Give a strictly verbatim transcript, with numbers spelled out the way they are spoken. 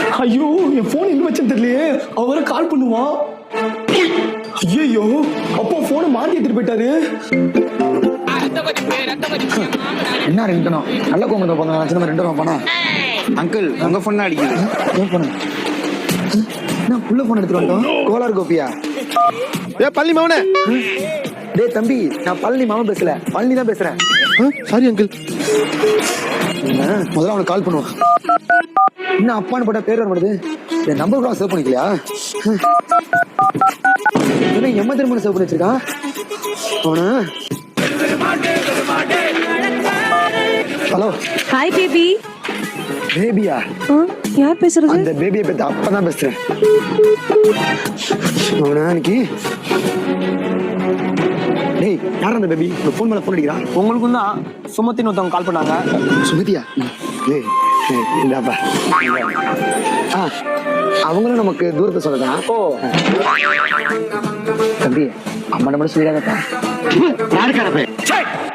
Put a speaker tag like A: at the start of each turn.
A: ஐயோ என் போன் எங்க வச்சேன்னு தெரியலையே. அவரை கால் பண்ணுவான். ஐயோ அப்போ போனை மாத்தி எடுத்துட்டு போயிட்டாரு.
B: என்ன ரெண்டனும் நல்ல கோமத்தை போனா சின்ன ரெண்டு ரூபா போனா.
C: அங்கிள் உங்க போன் அடிக்குது.
B: ஏன் போன நான் புள்ள போன் எடுத்துட்டு வந்தோம். கோலார் கோபியா?
C: ஏ பள்ளி மவனே.
B: டேய் தம்பி, நான் பழனி மாமன் பேசல, பழனி தான் பேசுறேன்.
C: Sorry uncle.
B: முதல்ல அவனுக்கு கால் பண்ணுவான். என்ன அப்பான்னு போட்டா பேர் வர மாட்டேது. என் நம்பர் கூட சேவ் பண்ணிக்கலையா? என்ன எம்ம திரும்ப சேவ் பண்ணி வச்சிருக்கான் அவனு. ஹலோ.
D: Hi baby.
B: பேபியா?
D: யார் பேசுறது?
B: அந்த பேபியை பத்தி அப்பதான் பேசுறேன். அவனா இன்னைக்கு. டேய் யார் அந்த பேபி? போன் மேல போன் அடிக்கிறான்.
A: உங்களுக்கும் தான் சுமத்தின்னு ஒருத்தவங்க கால் பண்ணாங்க.
B: சுமதியா? டேய் இந்தாப்பா. ஆ அவங்களும் நமக்கு தூரத்தை சொல்லதான்.
A: ஓ
B: தம்பி அம்மா நம்ம சொல்லிடாதப்பா.
C: யாருக்காரப்பே